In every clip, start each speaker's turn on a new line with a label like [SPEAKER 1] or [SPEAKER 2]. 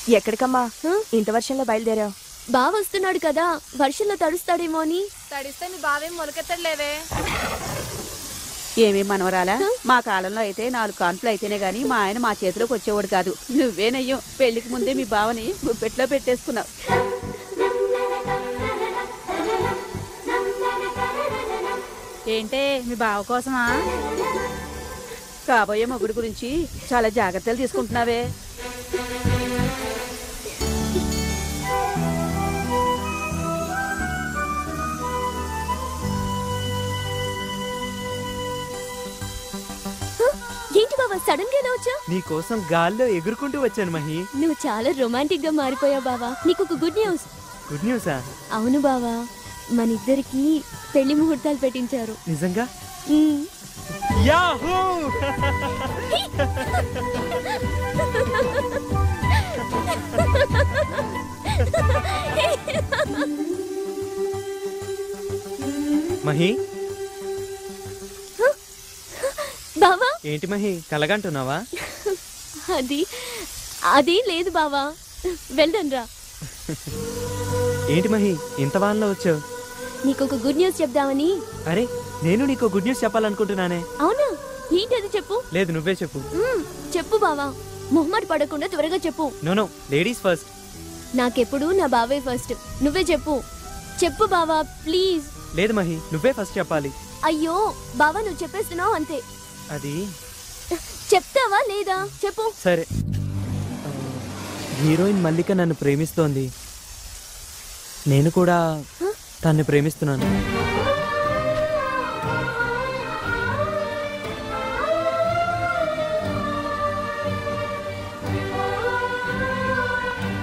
[SPEAKER 1] ఎక్కడికమ్మా ఇంత వర్షంలో బయలుదేరావు?
[SPEAKER 2] బావ వస్తున్నాడు కదా, వర్షంలో తడుస్తాడేమో అని.
[SPEAKER 3] తడిస్తే మీ బావేం మొలకెత్తలేవే.
[SPEAKER 4] ఏమేం మనవరాలా, మా కాలంలో అయితే 4 కాన్పులు అయితేనే గాని మా ఆయన మా చేతిలోకి వచ్చేవాడు కాదు. నువ్వేనయ్యో పెళ్లికి ముందే మీ బావని గుప్పెట్లో పెట్టేసుకున్నావు.
[SPEAKER 5] ఏంటే మీ బావ కోసమా?
[SPEAKER 4] కాబోయే మొగుడు గురించి చాలా జాగ్రత్తలు తీసుకుంటున్నావే.
[SPEAKER 2] ఏంటి బావా సడన్ గా వచ్చా?
[SPEAKER 6] నీకోసం గాల్లో ఎగురుకుంటూ వచ్చాను మహి.
[SPEAKER 2] నువ్వు చాలా రొమాంటిక్ గా మారిపోయావు బావా. నీకు ఒక గుడ్ న్యూస్.
[SPEAKER 6] గుడ్ న్యూసా?
[SPEAKER 2] అవును బావా, మన ఇద్దరికి పెళ్లి ముహూర్తాలు పెట్టించారు.
[SPEAKER 6] నిజంగా? యాహూ! మహి
[SPEAKER 2] బావా.
[SPEAKER 6] ఏంటి మహి కలగంటున్నావా?
[SPEAKER 2] అది లేదు బావా, వెళ్దాం రా.
[SPEAKER 6] ఏంటి మహి ఇంత వానలో వచ్చావు?
[SPEAKER 2] నీకొక గుడ్ న్యూస్ చెప్దామని.
[SPEAKER 6] అరే నేను నీకు గుడ్ న్యూస్ చెప్పాలనుకుంటున్నానే.
[SPEAKER 2] అవునా? ఏంటది చెప్పు.
[SPEAKER 6] లేదు నువ్వే చెప్పు.
[SPEAKER 2] చెప్పు బావా, మొహమాట పడకుండా త్వరగా చెప్పు.
[SPEAKER 6] No ladies first.
[SPEAKER 2] నాకెప్పుడు నా బావే ఫస్ట్. నువ్వే చెప్పు. చెప్పు బావా ప్లీజ్.
[SPEAKER 6] లేదు మహి నువ్వే ఫస్ట్ చెప్పాలి.
[SPEAKER 2] అయ్యో బావా, నువ్వు చెప్పేస్తున్నావు అంతే.
[SPEAKER 6] అది
[SPEAKER 2] చెప్తావా లేదా చెప్పు.
[SPEAKER 6] సరే, హీరోయిన్ మల్లిక నన్ను ప్రేమిస్తోంది, నేను కూడా తన్ని ప్రేమిస్తున్నాను.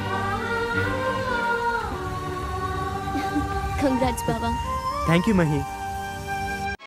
[SPEAKER 2] కంగ్రాట్స్ బావా.
[SPEAKER 6] Thank you Mahi.